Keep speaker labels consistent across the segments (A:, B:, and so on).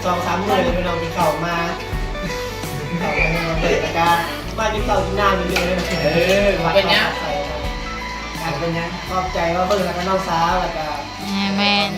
A: 2-3 มื้อเลยพี่น้องที่เข้ามาเปิดตะกร้ามากินข้าวกินน้ำอยู่เลยเป็นยังเป็นยังขอบใจว่าเพิ่งแล้วก็น้องสาวแล้วก็
B: แมน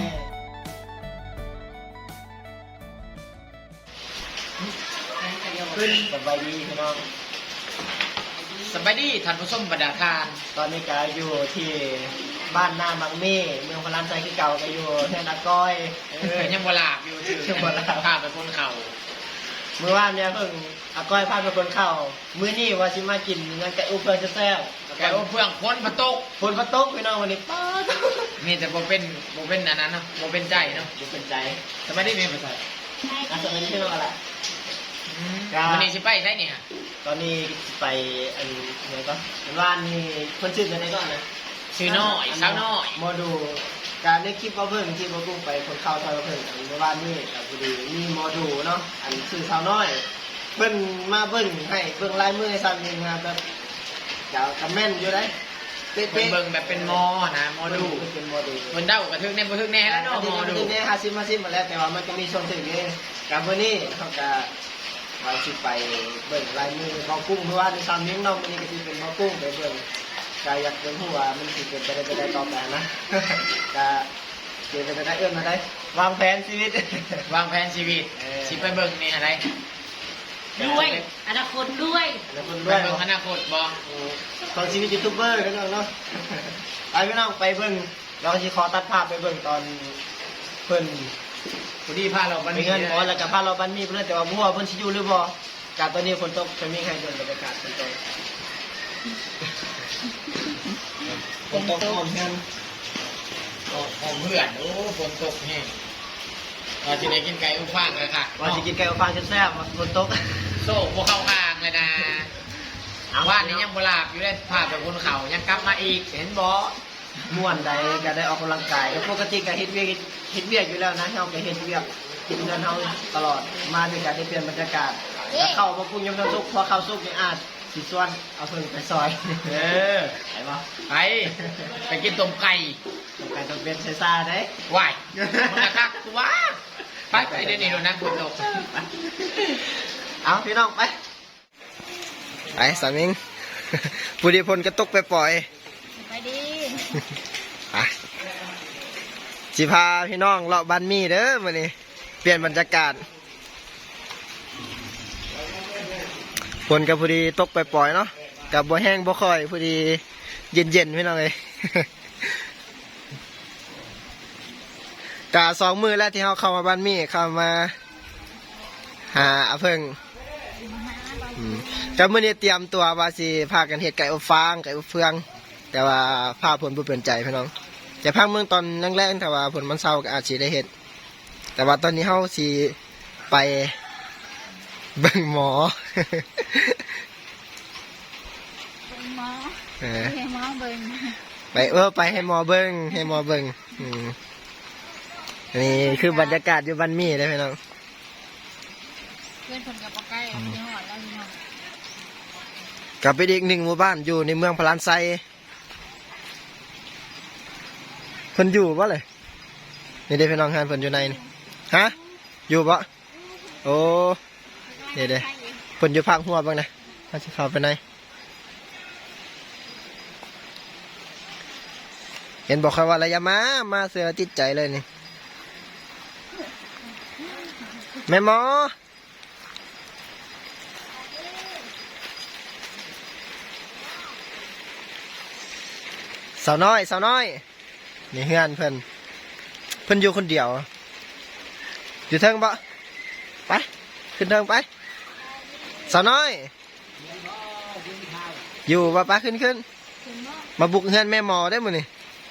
A: ขึ้นสบายดีพี่น้อง
C: สบายดีท่านผู้ชมบรรดาทาน
A: ตอนนี้ก็อยู่ที่บ้านนาบางเม่เมืองพลานไซคือเก่าก็อยู่แท่นาก้อย
C: ยังบ่หลาบอยู่ถือพาไปคนเข่า
A: เมื่อวานเนี่ยเพิ่งอาก้อยพาไปคนเข่ามื้อนี้ว่าสิมากินงั้นไก่อบเพื่อนแซ่บ
C: ไก่อบเพื่อนคนประตก
A: พี่น้องวันนี้ป้า
C: มีแต่บ่เป็นอันนั้นเนาะบ่เป็นใจเนาะ
A: บ่เป็นใจ
C: สบายดีมีภาษา
A: สบายดีพี่น้องอะไร
C: วันนี้สิไปใช่เนี่ย
A: ตอนนี้ไปอันไหนก็ว่านนี่คนชื่ออะไรก่อนนะ
C: ชื่อน้อยสาวน้อย
A: โมดูการได้คลิปว่าเพิ่งที่มากุ้งไปคนเข้าซอยเพิ่งเมื่อวานนี้กับพอดีมีโมดูเนาะอันชื่อสาวน้อยเพิ่นมาเบิ่งให้เบิ่งลายมือให้ซ้ำนึงนะแบบเดี๋ยวคอมเมนต์อยู่ได้
C: เบิ่งแบบเป็นมอนะโมดู
A: เป็นโมดู
C: มันเด้ากระทึกแน่บ่ทึกแน่แล้วเนาะโมดู
A: เนี่ย50มาแล้วแต่ว่ามันก็มีช่วงถึงนี้กับวันนี้เขาก็ว่าสิไปเบิ่งลายมือบ่กุ้งเพราะว่าในซ้ำนึงเนาะมันนี่ก็สิเป็นบ่กุ้งไปเบิ่งกาอยากเป็นหัวมันสิเป็นไปได้ต่อไปนะกาเกี่ยวกับได้เอื้อมมาได้วางแผนชีวิต
C: สิไปเบิ่งนี่อะไร
B: ด้วยอนาคตด้วย
C: ไปเบิ่งอนาคตบ่
A: ตอนชีวิตยูทูบเบอร์กันเนาะไปพี่น้องไปเบิ่งเราสิขอตัดภาพไปเบิ่งตอนเพิ่น
C: พอดีพาเราบันมี
A: เงินบ่แล้วก็พาเราบันมีเพิ่นแต่ว่าบ่ฮู้ว่าเพิ่นสิอยู่หรือบ่กาตอนนี้ฝนตกจะมีให้เบิ่งบรรยากาศฝนตกฝนตกหอมเพื่อน
C: โอ้ฝนตกแห้งว่าจะได้กินไก่อบฟางเลยค่ะ
A: ว่าจะกินไก่อบฟางแซ่บๆฝนตก
C: โซ่พวกเข้าข้างเลยนะว่านี้ยังบ่หลาบอยู่ได้พาไปบนเขายังกลับมาอีกเห็นบ่
A: ม่วนใดก็ได้ออกกำลังกายก็ปกติก็เฮ็ดเวียกอยู่แล้วนะเฮาก็เฮ็ดเวียกกินเงินเฮาตลอดมาด้วยกันได้เปลี่ยนบรรยากาศแล้วเข้ามาปรุงยำน้ำซุปพอเข้าซุปนี่อาจสิส่วนเอาเพิ่งไปซอยไปบ่
C: ไปกินต้มไก่
A: ต้มเป็ดใส่ซ่าได้
C: ว้ายมันคักตัวไปเดี๋ยวนี้เรานั่งคุยตก
A: เอาพี่น้องไปสามิงปุริพลก็ตกไปปล่อย
B: ไปดี
A: สิพาพี่น้องเลาะบ้านมีเด้อมื้อนี้เปลี่ยนบรรยากาศฝนกับพอดีตกไปปล่อยเนาะกับบ่แห้งบ่ค่อยพอดีเย็นพี่น้องเลยกะ2 มื้อแล้วที่เขาเข้ามาบ้านมีเข้ามาหาเพิ่งแต่มื้อนี้เตรียมตัวว่าสิพากันเฮ็ดไก่อบฟางไก่อบเฟืองแต่ว่าพาผลบ่เป็นใจพี่น้องจะพักเมืองตอนแรกๆแต่ว่าผลมันเศร้าก็อาจสิได้เฮ็ดแต่ว่าตอนนี้เฮาสิไปเบิ่งหมอ
B: ให้หมอเบิ่ง
A: ไปให้หมอเบิ่งนี่คือบรรยากาศอยู่บ้านมีได้พี่น้อง
B: เพื่อนคนกับปะใกล้ที่หอดแล้วพี่น้อง
A: กลับไปอีก1 หมู่บ้านอยู่ในเมืองพลานไซเพิ่นอยู่บ่เลยนี่ได้พี่น้องหานเพิ่นอยู่ในนี่ฮะอยู่บ่โอ้นี่เด้เพิ่นอยู่ภาคหัวบ้างนะมาสิเข้าไปไหนเห็นบอกเขาว่าอะไรมาเสือติดใจเลยนี่แม่หมอสาวน้อยนี่เฮือนเพิ่นอยู่คนเดียวอยู่เทิงบ่ไปขึ้นเทิงไปสาวน้อยอยู่บ่ป้าขึ้นมาบุกเฮือนแม่หมอได้มื้อนี่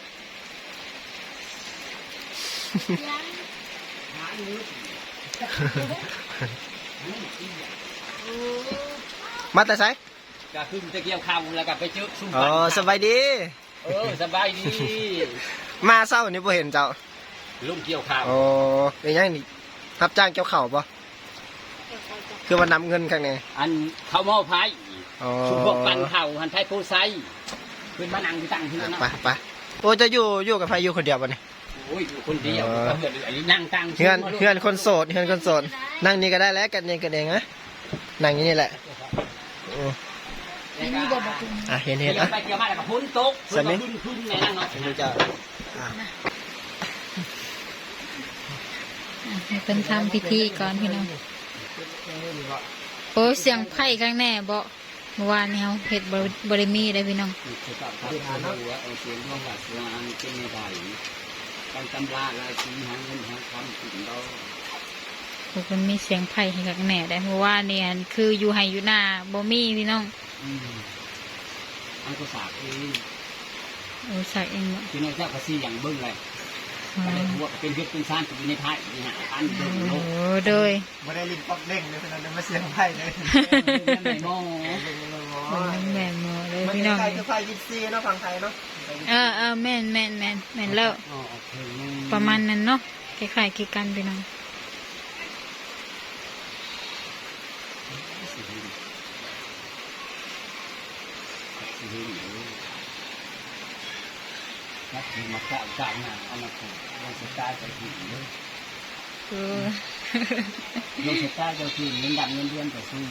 A: มาแต่ไส
C: ก็ขึ้นจะเกี่ยวข้าวแล้วก็ไปเจอซุ่ม
A: สบายดี
C: สบายดี
A: มาเศร้านี่บ่เห็นเจ้า
C: ลุงเกี่ยวข้าว
A: เป็นยังนี่รับจ้างเกี่ยวข้าวป่ะคือว่านำเงินข้างใน
C: อันเขาเมาไผ่ชุมพวกปันเข่าหันไทยโพไซเป็นบ้านนังที่ตั้งที่นั่น
A: ไปโอ้จะอยู่กับไผ่อยู่คนเดียวป่ะเนี่ย
D: โอ้ยอยู่คนเดียวเพื่อนอันนี้นั่งตั้ง
A: เฮือนคนโสดนั่งนี่ก็ได้แล้วกันเองนะนั่งอย่างนี้แหละ
B: นี่มีบ่บอกคุณ
A: เห็น
D: เกี่ยว
A: อ่ะ
D: ไปเกี่ยวมาแล้วก็พ้นตกพ้นขึ้นในนั่งเนาะ
A: ดูจะ
B: ให้เพิ่นทำพิธีก่อนพี่น้องโอ้เสียงไผ่ข้างแน่บ่เมื่อวานนี้เฮาเฮ็ดบ่ได้มีได้พี่น้อง
D: คือกับพระพุทธรู้ว่าเสียงของวัดวานเป็นไม่ได้การตำราลายสีหาเงินหาคำถึงเรา
B: พวกมันมีเสียงไผ่ให้ข้างแน่ได้เพราะว่าเนี่ยคืออยู่ไห้อยู่หน้าบ่มีพี่น้อง
D: อันก็สาบเอง
B: โอ้สักเองบ่
D: ที่น้อยเจ้าภาษีอย่างเบิ้งเลยก็ได้ทั่วเป็นเพชรเป็นซานอยู่ในท้ายนี่ฮะอันเดิมโล
B: โอ้
D: ก
B: โดย
A: ไม่ได้ลิ้นป๊อกเด้งเลยเพราะนั้นมาเสียงไพ่เลย
D: ไม่โม่
B: มันแม่นบ่เลย
A: มัน
B: พี่น้อง
A: ไทยคือไพ่ยิปซีเนาะฝั่งไทยเนาะ
B: แม่นแล้วประมาณนั้นเนาะคล้ายๆคือกันพี่น้อง
D: นักที่มาเก่าเก่าหนาเอามาผูกลงสตาร์จะถึงเลย
B: เออ
D: ลงสตาร์จะถึงเงินดำเงินเดือนจะซื้อ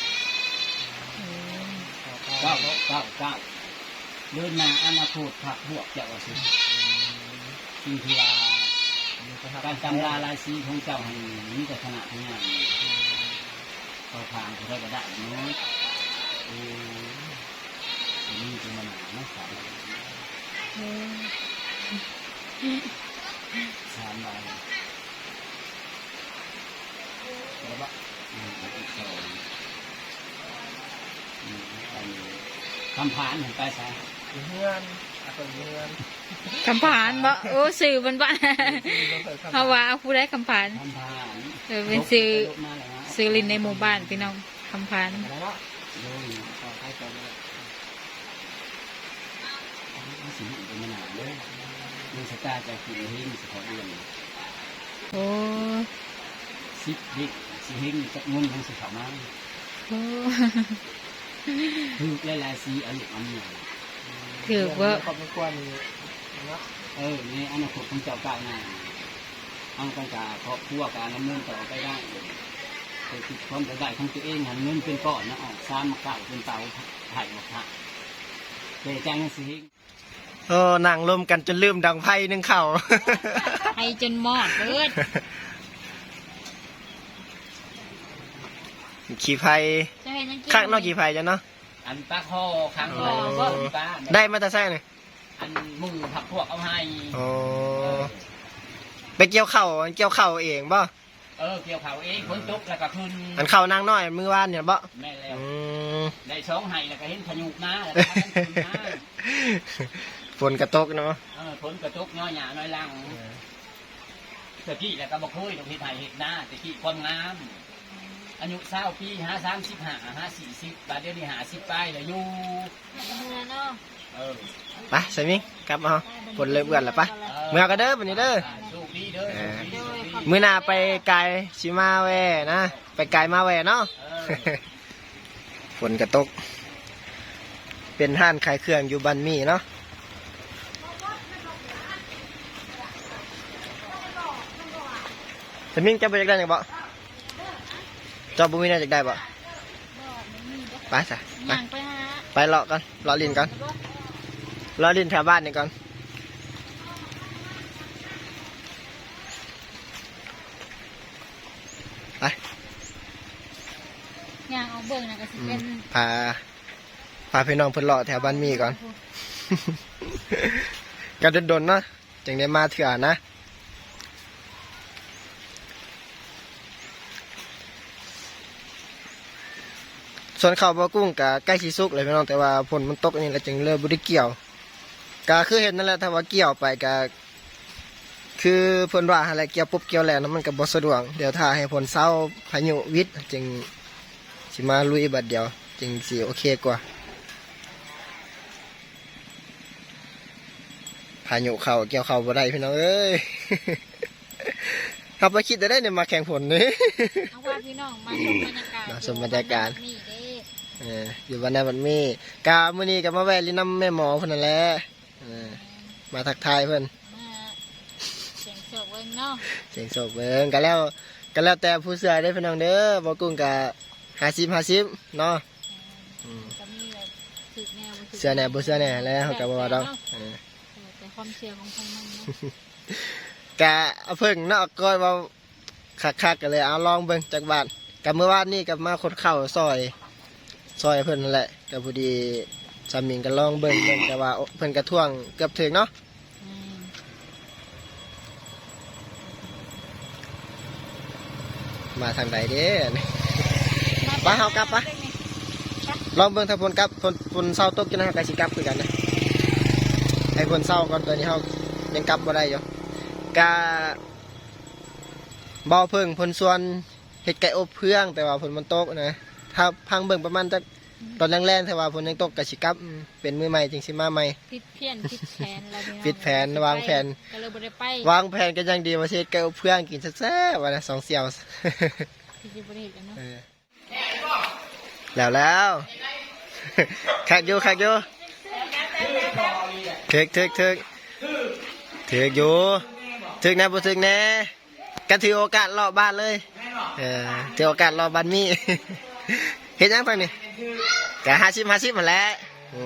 D: เก้าเดินมาอนาคตผักบวกจะว่าซื้อสิ่งที่ว่าการจำลาลายสีของเจ้าให้มีแต่ขณะทั้งงานเขาทางเขาได้ก็ได้เนาะนี่เป็นมันหนาเนาะสามใบแล้วก็อีกสองคำผ่านเห็นไปใช่
A: เฮือนคนเฮือน
B: คำผานบ่โอ้สื่อมันบ่เฮาว่าเอาผู้ใดคำผาน
D: คำผ่าน
B: เป็นซื้อลินในหมู่บ้านพี่น้องคำผาน
A: แล้วเนาะ
D: โดยต่อไปต่อไปสิ่งเป็นมันหนาเลยมีสตาร์จะกินหิ้งสะพอเดือน
B: โอ้
D: สิบดิสิหิ้งจะงุ่มทั้งสิเขามา
B: โอ้
D: คือหลายๆสีอันนี้อันนี้
B: ถือว่า
A: ครอบครัวนี่เนาะ
D: ในอนาคตของเจ้าก้าวหน้าเอาไปกับครอบครัวการดำเนินต่อไปได้คือคิดความได้ของตัวเองหันเงินเป็นก้อนนะออกซ้ำมาเก่าเป็นเตาไผ่หมดฮะเจ๊จ้างสิหิ้ง
A: นั่งรวมกันจนลืมดังไพ่นึ่งเข่า
B: ให้จนมอดเบิด
A: ขี่ไพ่
B: จะเห็นยังกิน
A: ข้างนอกขี่ไพ่จ้ะเนาะ
D: อันปลาคอครั้งเลยป้า
A: ได้มาแต่ไส้เนี่ย
D: อันมือผักพวกเอาให้
A: ไปเกี่ยวเข่าเองบ่
D: เกี่ยวเขาเองฝนตกแล้วก็ขึ้น
A: อันเข่านางน้อยมือวานเนี่ยบ่
D: แม่แล้ว
A: อืม
D: ได้สองไห้แล้วก็เห็นพายุมาแล้วก็ขึ้นมา
A: ฝนกระตกเนาะ
D: ฝนกระตกน้อยหยาน้อยลังตะกี้แล้วก็บอกเคยตรงที่ไทยเห็ดหน้าตะกี้คนงามอายุ20 ปี50 40บาทเดี๋ยวนี้50 ไปแล้วอยู่
B: เนาะ
A: ไปใส่มิงกลับมาฝนเลยเบื่อแล้วปะเมื่อก็เด้อวันนี้เด้อ
D: โชคดีเด้อ
A: มื้อหน้าไปไกลชิมาแวนะไปไกลมาแวเนาะ ฝนกระตก เป็นห้านขายเครื่องอยู่บันมี่เนาะแต่มิ่งจะไปจากได้ยังบ่จอบบุมีน่าจะได้บ่ไปจ้ะไป
B: ย่างไปหา
A: ไปเลาะกันเลาะลินกันเลาะลินแถวบ้านนี่ก่อนไป
B: ย่างเอาเบิ่งนะก็สิเป็น
A: พาพี่น้องเพิ่นเลาะแถวบ้านมีก่อน ก็โดนๆเนาะจังได้มาเถื่อนะส่วนข้าวบะกุ้งกะใกล้สิสุกเลยพี่น้องแต่ว่าฝนมันตกนี่แล้วจึงเริ่มบ่ได้เกี่ยวก็คือเห็นนั่นแหละถ้าว่าเกี่ยวไปก็คือเพิ่นว่าอะไรเกี่ยวปุ๊บเกี่ยวแล้วมันก็บ่สะดวกเดี๋ยวถ้าให้ฝนเศร้าพายุวิทย์จึงสิมาลุยบัดเดียวจึงสิโอเคกว่าพายุเข้าเกี่ยวเข้าบ่ได้พี่น้องเอ้ย ครับมาคิดได้เนี่ยมาแข่งฝนนี่
B: เอาว่าพี่น้องมาชมบรรยากาศ
A: มาชมบรรยากาศ
B: นี่เด้
A: อยู่วันนั้นวันมีกามื้อนี้ก็มาแวะลินน้ำแม่หมอเพิ่นนั่นแหละมาทักทายเพิ่น
B: มางเนาะ
A: เสียงโศกเบิ่งก็แล้วแต่ผู้เสือได้อพี่น้องเด้อบ่กุ้งก็50-50เนาะ
B: ก็มีแบบถึกแนวบ่ถึก
A: เสือแหน่บ่เสือแหน่แล้วเขาก็บ่ว่าดอก
B: แต่ความเชื่อของทางนั้นเนาะ
A: กะเอาเพิ่งเนาะก็เว้าคักๆกันเลยเอาลองเบิ่งจักบาทกับเมื่อวานนี้ก็มาขดข้าวซอยเพิ่นนั่นแหละก็พอดีสามีก็ลองเบิ่งแต่ว่าเพิ่นก็ท่วงเกือบถึงเนาะ
B: อืม
A: มาทางใดเด้ไปเฮากลับปะลองเบิ่งถ้าฝนกลับฝนเศร้าตกจังได๋ก็สิกลับคือกันนะให้ฝนเศร้าก่อนตอนนี้เฮายังกลับบ่ได้อยู่กะบ่เพิ่งเพิ่นส่วนเฮ็ดไก่อบเพื่องแต่ว่าฝนมันตกนะถ้าพังเบิ่งประมาณจักตอนแรงๆแต่ว่าฝนยังตกก็สิกลับเป็นมื้อใหม่จึงสิมาใหม่
B: ผิดเพี้ยนผิดแผนแล้วพี่น้อง
A: ผิดแผนวางแผน
B: ก็เลยบ่ได้ไป
A: วางแผนกันอย่างดีว่าสิเฮ็ดไก่อบเพื่องกินแซ่บๆว่านะ2เสี่ยว
B: ที่สิบ่ได้เฮ็ดกันเนาะ
A: แล้ว คักอยู่ถึกอยู่ถึกแน่บ่ถึกแน่กันถือโอกาสรอบบ้านเลยถือโอกาสรอบบ้านมี เฮ็ดหยังทางนี้กะ50มาแหล้ว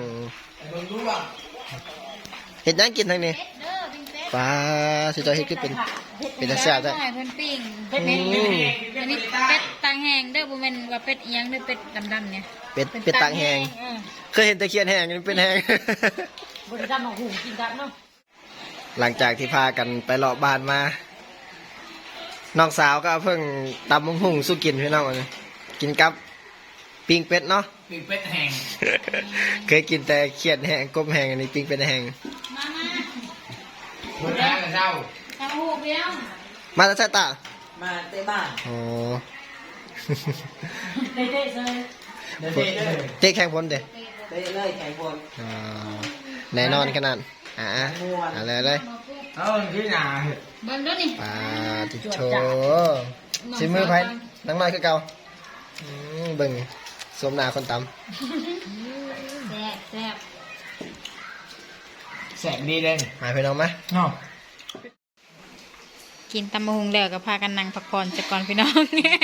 A: เฮ็ดหยังกินทางนี้ปลาสิเจ้าเฮ็ดคือเป็นตาแซ่บ
B: จ้ะ
A: จ้ะ
B: เพิ่นปิ้งอันนี้เป็ดตางแห้งเด้อบ่แม่นว่าเป็ดอีหยังเด้อเป็ดดำๆเนี่ย
A: เป็ดตางแห้งเคยเห็นตะเคียนแห้งนี่เป็นแห้ง
B: บ่ได้ดำเอาหูกินกันเนาะ
A: หลังจากที่พากันไปเลาะบ้านมา น้องสาวก็เพิ่งตำมงหุ่งสู้กินพี่น้องเลยกินกับปิ้งเป็ดเนาะ
C: ปีเป็ดแห้ง
A: เคยกินแต่เขียดแห้งกบแห้งอันนี้ปิ้งเป็ดแห้ง
B: มา
C: หัวหน้ากับเรา
B: ทำหูเดียว
A: มาแล้วใช่ตา
D: มาเตะบ้าน
A: อ๋อ
B: เด้ๆเลย
A: เจ๊แข่งพลเด้
D: เตะเลยแข่งบอล
A: อ๋อแน่นอนขนาดอะไรเลย
C: เอาที่หนา
B: เบิ่งเด้อนี่
A: ปลาติโชชิมมือไผ่นังน้อยคือเก่าเบิ่งสวมหน้าคนตำ
B: แซ่บ
C: แสงดีเลย
A: หายไปน้องไหม
C: เนาะ
B: กินตำมะฮุงแล้วก็พากันนั่งพักผ่อนจักก่อนพี่น้อง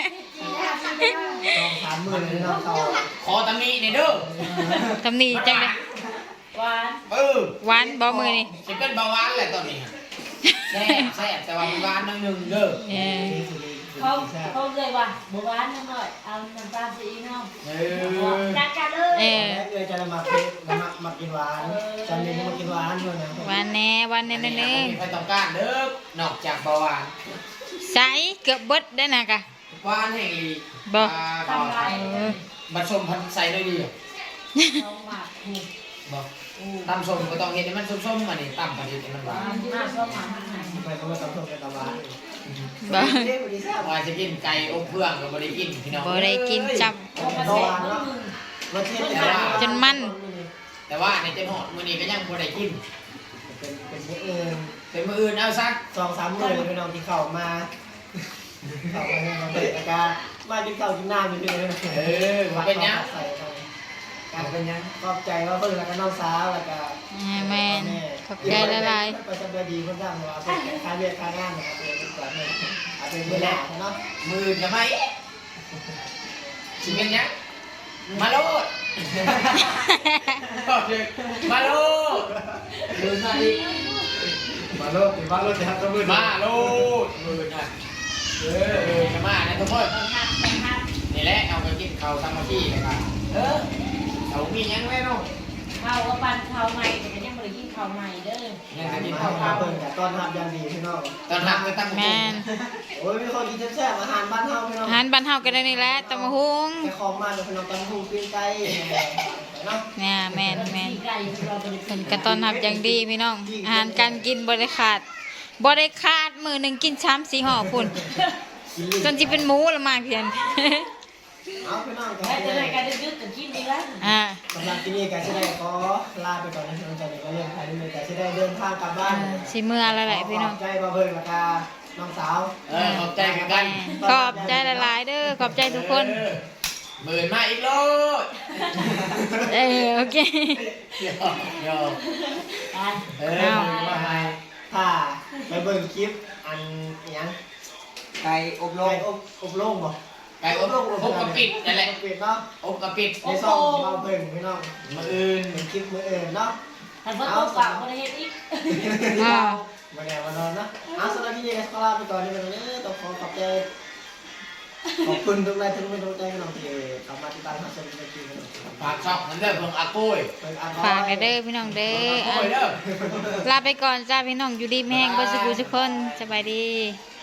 A: 3 มื้อเลยน้องเขา
C: ขอตำหนิในเด้อ
B: ตำนี้จังได๋ หวานบ่มือนี่
C: จะเป็นเบาหวานแหละตอนนี้แซ่บแต่ว่ามันหวานนึงเด้อ
E: เขาเลยว่าเมื่อวานน้ำหน่อยเอาน้ำตาลสีน้อง จัดกันเลย
B: เออ
A: เอ้ยจะมาเค้กมากินหวานจันนี้มากินหวานด้วยนะ
B: หวานแน่หวานแน่เด้อ
C: มีใครต้องการเด้อนอกจากเบาหวาน
B: ใสเกือบเบิดได้อนะกะ
C: หวานแห่งอี
B: บ่
C: เบาหวาน
B: เออ
C: บัดชมพันใส่ได้ดี
E: เขาหมากถูก
C: บอกตำส้มก็ต้องเห็นให้มันส้มๆมานี่ตำพอดีให้มันหวาน
E: หน้าเขาหมากไหน
A: ไปเขามาตำส้มกันตำหวาน
B: บ่
C: ว่าจะกินไก่อบเพื่องก็บ่ได้กินพี่น้อง
B: บ่ได้กินจับ
E: เขามาเซ็ตมือ
A: รสเทศ
B: จนมัน
C: แต่ว่าในเต็มหอดมื้อนี้ก็ยังบ่ได้กิน
A: เป็นมื้ออื่น
C: เป็นมื้ออื่นเอาซัก
A: 2-3 มื้อเลยพี่น้องที่เข้ามาเข้ามาให้มาเปิดอาการมากินข้าวกินน้ำอยู่เลย
C: เป็นยัง
A: การเป็นยังขอบใจว่าเพิ่งแล้วก็น้องสาวแล้วก็
B: แม่นขอบใจหลาย
A: ไปสบายดีเพิ่นจ้างว่าเป็นค่าเรียกค่างานนะครับเป็นก่อนเนี่ยอาจเป็นเวลาเนาะ
C: มื้ออื่นจะไหมสิเป็นยังมาโลด มาโลดเดินมาอีก
A: มาโลดจะทำตัวมือ
C: มาโลดมื้อน่ะจะมานะทุกคนนี่แหละเอาไปกินข้าวสามัคคีเลยครับเอามียังไว้เนาะ
E: เขาว่าปันเขาใหม่แต่ก็ยังไม่ได้กินเขาใหม่เด้อ
C: ยังจะกิน
A: ข้า
C: ข้าว ว
A: เพิ่นกับต้อนรับอย่างดีพี่น้อง
C: ตอนหลังก็ตั้ง
B: ๆแม่น
A: โอ้ยมีคนกินแซ่บๆอาหารบ้านเฮาพี่น้อง
B: อาหารบ้านเฮาก็ได้นี่แหละตำมะฮุง
A: แค่ของมาเลยพี่น้องตำหูปิ้งไก่เนาะ
B: เนี่ยแม่น
E: ไก่เราไป
B: เพิ่นก็ต้อนรับอย่างดีพี่น้อง อาหารการกินบ่ได้ขาดมื้อหนึงกิน3-4ห่อพุ่นจนสิเป็นหมูละมากเพียน
A: เอาพี่น้องก็
E: แม่จะได้การดึกๆกันกินดีแล้ว
B: อ่า
A: สำหรับที่นี่ก็จะได้ขอลาไปก่อนนะพี่น้องจากนี้ก็เรื่องใครนี่เลยก็จะได้เดินทางกลับบ้าน
B: สิเมื่อแล้วแหละพี่น้อง
A: ขบใจบ่เบิ่งแล้วก็น้องสาว
C: ขอบใจกัน
B: ขอบใจหลายๆเด้อขอบใจทุกคน
C: หมื่นมาอีกโลด
B: โอเค
C: โย
E: การ
C: มาให้
A: ถ้าไปเบิ่งคลิปอันอิหยัง
C: ไก่อบโล
A: ไก่
C: ง
A: อบโล่งบ่
C: ไก่อบกระปิดนั่นแหละ
A: อบปิดเนาะ
C: อบกระปิด
A: ในซองเราเบิ่งพี่น้อง
C: มืออื่น
A: เป็นคลิปมื้ออื่นเนาะ
E: ทันฝนตกฝากบ่ได้เฮ็ดอีก
B: อ่า
A: มาแนวมานอนเนาะเอาสำหรับพี่เจขอลาไปก่อนในวันนี้ต้องขอขอบใจขอบคุณทุกท่านที่มาดูใจพี่น้องที่เข้ามาติดตามรับชมในคลิปนี้
C: ฝากช่องนั่นเด้อเพิ่งอากุ้ย
A: เบิ่งอ่าน
B: ฝากกันเด้อพี่น้องเด้
C: อา
B: อ
C: กุ้ยเด้อ
B: ลาไปก่อนจ้าพี่น้องอยู่ดีแม่งบ่สุขทุกคนสบายดี
A: บ